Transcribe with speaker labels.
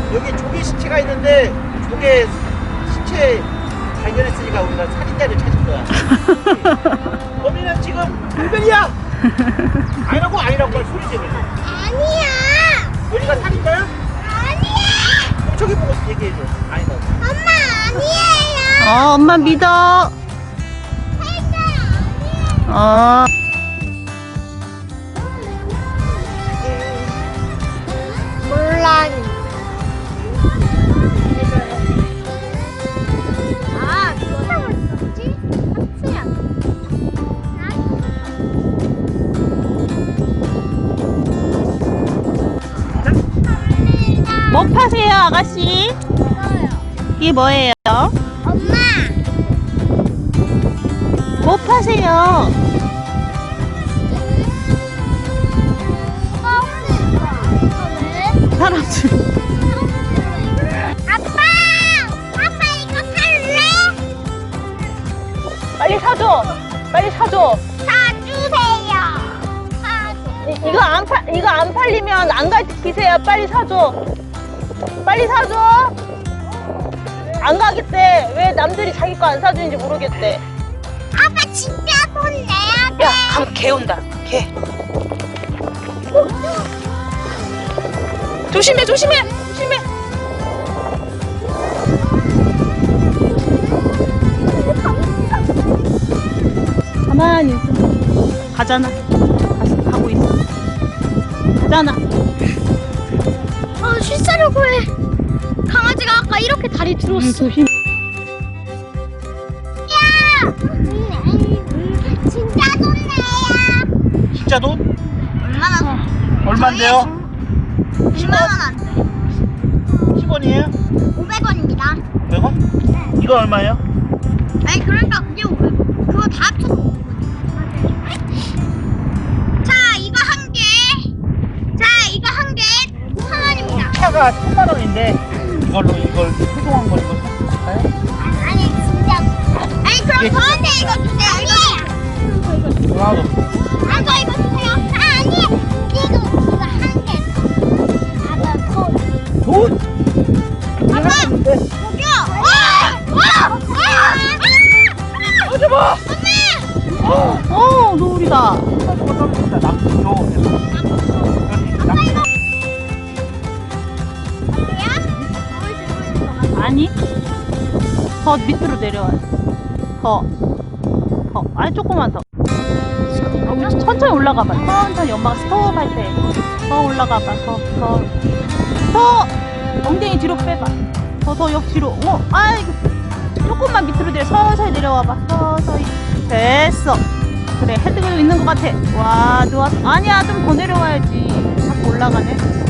Speaker 1: 여기 조개 시체가 있는데 조개 시체 발견했으니까 우리가 살인자를 찾을 거야. 범인은 지금 불변이야. 아니라고 말 소리 지르.
Speaker 2: 아니야.
Speaker 1: 여기가 살인자야?
Speaker 2: 아니야.
Speaker 1: 그럼 저기 보고 얘기해줘. 아니다.
Speaker 2: 엄마 아니에요.
Speaker 3: 엄마 믿어. 어.
Speaker 2: 몰라. 아, 누가 뭐지? 하트야.
Speaker 3: 뭐 파세요, 아가씨? 이게 뭐예요?
Speaker 2: 엄마.
Speaker 3: 뭐 파세요? 사람들.
Speaker 2: 아빠 이거 살래?
Speaker 3: 빨리 사줘. 빨리 사줘.
Speaker 2: 사주세요.
Speaker 3: 이거 안 팔리면 안 갈 기세야. 빨리 사줘. 빨리 사줘. 안 가겠대. 왜 남들이 자기 거 안 사주는지 모르겠대.
Speaker 2: 아빠 진짜 돈 내야 돼.
Speaker 3: 야, 개 온다. 개. 조심해. 가만히 있어. 가잖아. 가고 있어. 가잖아.
Speaker 2: 쉴싸려고 해. 강아지가 아까 이렇게 다리 들었어.
Speaker 3: 조심.
Speaker 2: 야! 진짜 돈 내야.
Speaker 1: 진짜 돈?
Speaker 2: 얼마나?
Speaker 1: 얼만데요?
Speaker 2: 1만 원 안 돼.
Speaker 1: 10원이에요?
Speaker 2: 500원입니다.
Speaker 1: 100원?
Speaker 2: 네.
Speaker 1: 이거 얼마예요?
Speaker 2: 아니 그러니까 그게 500원. 그거 다 합쳐서 500원. 자, 이거 한 개. 자, 이거 한 개. 1,000원입니다.
Speaker 1: 차가 1000만원인데 이걸 소중한 걸 이거 살까요?
Speaker 2: 아니 진짜. 아니 그럼
Speaker 1: 예.
Speaker 2: 저한테 이거 주세요. 이거.
Speaker 1: 하나도
Speaker 2: 이거 주세요. 아니 이거 한 개. 아빠
Speaker 1: 돈?
Speaker 2: 아빠 저기요.
Speaker 1: 가져봐!
Speaker 3: 노을이다. 아니. 더 밑으로 내려와. 더. 아니, 조금만 더. 천천히 올라가봐. 천천히 엄마가 스톱할 때. 더 올라가봐. 더. 엉덩이 뒤로 빼봐. 더 옆 뒤로. 아이고. 조금만 밑으로 내려. 서서히 내려와봐. 서서히. 됐어. 그래, 헤드가 있는 것 같아. 와, 좋았어. 아니야, 좀 더 내려와야지. 자꾸 올라가네.